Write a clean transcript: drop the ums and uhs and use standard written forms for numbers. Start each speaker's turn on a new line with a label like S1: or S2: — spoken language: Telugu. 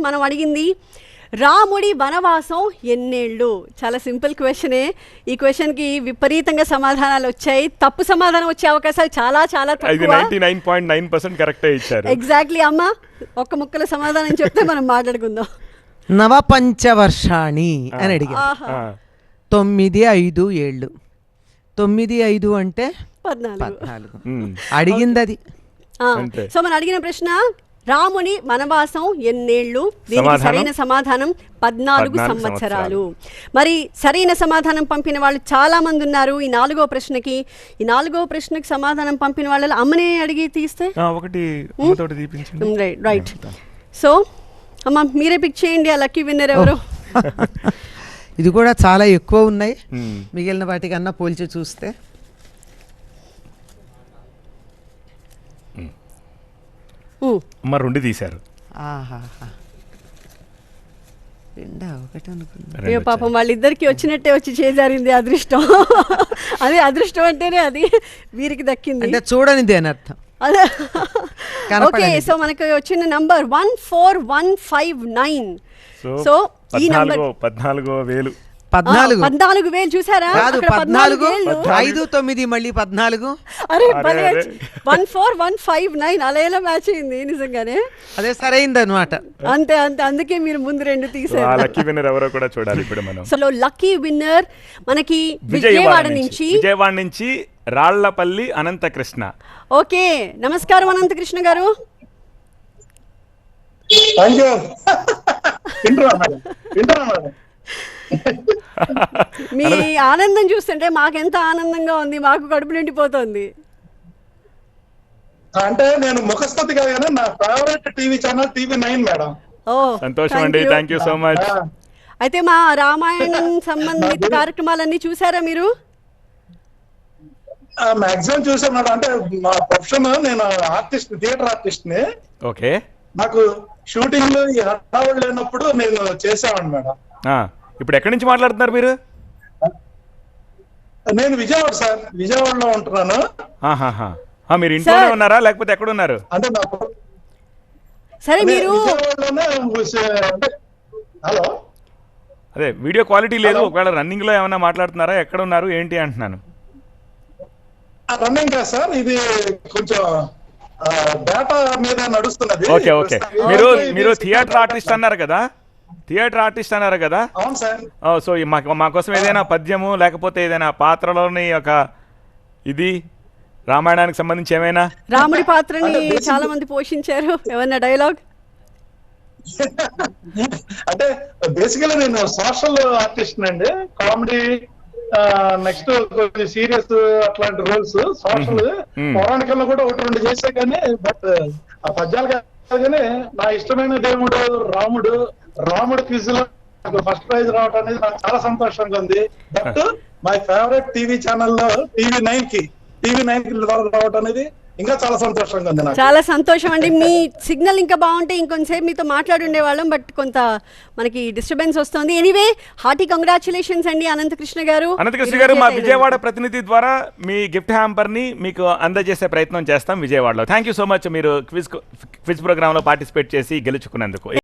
S1: మనం అడిగింది రాముడి వనవాసం ఎన్నేళ్ళు. చాలా సింపుల్ క్వశ్చనే. ఈ క్వశ్చన్కి విపరీతంగా సమాధానాలు వచ్చాయి. తప్పు సమాధానం వచ్చే అవకాశాలు చాలా చాలా తక్కువ.
S2: 99.9% కరెక్టే ఇచ్చారు.
S1: ఎగ్జాక్ట్లీ అమ్మా, ఒక్క ముక్కల సమాధానం చెప్తే మనం మాట్లాడుకుందాం.
S3: నవపంచవర్షాణి అని అడిగా. 9 5 7 9 5 అంటే 14. అడిగింది అది.
S1: సో మనం అడిగిన ప్రశ్న రాముని వనవాసం ఎన్నేళ్ళు. దీనికి సరైన సమాధానం 14 సంవత్సరాలు. మరి సరైన సమాధానం పంపిన వాళ్ళు చాలా మంది ఉన్నారు. ఈ 4వ ప్రశ్నకి సమాధానం పంపిన వాళ్ళలో అమ్మనే అడిగి తీస్తే రైట్. సో అమ్మ మీరే పిక్ చేయండి ఆ లక్కీ విన్నర్ ఎవరు.
S3: ఇది కూడా చాలా ఎక్కువ ఉన్నాయి మిగిలిన వాటికన్నా పోల్చి చూస్తే.
S2: అమ్మ 2 తీశారు.
S1: అయ్యో పాపం వాళ్ళిద్దరికి వచ్చినట్టే వచ్చి చేజారింది అదృష్టం. అదే అదృష్టం అంటేనే అది వీరికి దక్కింది.
S3: చూడనిది అని అర్థం.
S1: ఓకే, సో మనకు వచ్చిన నంబర్ 14159. సో ఈ నంబర్
S2: 14,000.
S1: 14,000 చూసారా?
S3: 14 5 9 మళ్ళీ 14.
S1: అరే 14159 అలా ఎలా మ్యాచ్ అయింది నిజంగానే.
S3: అదే సరైంది అనమాట.
S1: అంతే అంతే, అందుకే మీరు ముందు 2 తీసారు.
S2: లక్కీ విన్నర్ ఎవరో కూడా చూడాలి ఇప్పుడు మనం.
S1: సో లక్కీ విన్నర్ మనకి విజయవాడ
S2: నుంచి రాళ్లపల్లి అనంతకృష్ణ.
S1: ఓకే, నమస్కారం అనంతకృష్ణ గారు. మీ ఆనందం చూస్తుంటే మాకెంత ఆనందంగా ఉంది, మాకు కడుపు నిండిపోతుంది.
S4: అంటే నేను ముఖస్థుతి కాదు కానీ నా favourite TV channel TV9 madam.
S2: సంతోషం అండి, థ్యాంక్ యూ సో మచ్.
S1: అయితే మా రామాయణం సంబంధిత కార్యక్రమాలన్నీ చూసారా మీరు?
S4: మాక్సిమం చూసాను మేడం. అంటే మా ప్రొఫెషన్ నేను ఆర్టిస్ట్, థియేటర్ ఆర్టిస్ట్ ని.
S2: ఓకే,
S4: నాకు షూటింగ్ ఈ హడావుడు లేనప్పుడు నేను చేసామండి మేడం.
S2: ఇప్పుడు ఎక్కడి నుంచి మాట్లాడుతున్నారు మీరు?
S4: నేను విజయవాడ సార్, విజయవాడలో ఉంటున్నాను.
S2: మీరు ఇంట్లోనే ఉన్నారా లేకపోతే ఎక్కడ ఉన్నారు?
S4: అంటే
S1: సరే మీరు
S4: హలో,
S2: అదే వీడియో క్వాలిటీ లేదు, ఒకవేళ రన్నింగ్ లో ఏమైనా మాట్లాడుతున్నారా, ఎక్కడ ఉన్నారు ఏంటి అంటున్నాను.
S4: రన్నింగ్ కాదు సార్, ఇది కొంచెం డేటా మీద నడుస్తున్నది.
S2: ఓకే ఓకే, మీరు థియేటర్ ఆర్టిస్ట్ అన్నారు కదా,
S4: అవును సార్.
S2: సో మా కోసం ఏదైనా పద్యము లేకపోతే ఏదైనా పాత్రలోని ఒక ఇది రామాయణానికి సంబంధించి ఏమైనా?
S1: రాముడి పాత్రని చాలా మంది పోషించారు, ఏమన్నా డైలాగ్?
S4: అంటే బేసికలీ నేను సోషల్ ఆర్టిస్ట్ అండి, కామెడీ, నెక్స్ట్ కొంచెం సీరియస్ అట్లాంటి రోల్స్. సోషల్ పౌరాణికల్లో కూడా 1-2 చేసా కానీ, బట్ ఆ పద్యాలు కాదు కానీ నా ఇష్టమైన దేవుడు రాముడు క్విజ్ లో ఫస్ట్ ప్రైజ్ రావడం అనేది నాకు చాలా సంతోషంగా ఉంది. బట్ మై ఫేవరెట్ టీవీ ఛానల్లో TV9 కి రావడం అనేది ఇంకా చాలా సంతోషంగా ఉంది నాకు.
S1: చాలా సంతోషం అండి. మీ సిగ్నల్ ఇంకా బాగుంటే ఇంకొంతసేపు మీతో మాట్లాడుండే వాళ్ళం, బట్ కొంత మనకి డిస్టర్బెన్స్ వస్తుంది. ఎనీవే, హార్టీ కంగ్రాచులేషన్స్ అండి అనంతకృష్ణ గారు.
S2: మా విజయవాడ ప్రతినిధి ద్వారా మీ గిఫ్ట్ హ్యాంపర్ ని మీకు అందజేసే ప్రయత్నం చేస్తాం విజయవాడలో. థ్యాంక్ యూ సో మచ్, మీరు క్విజ్ ప్రోగ్రామ్ లో పార్టిసిపేట్ చేసి గెలుచుకున్నందుకు.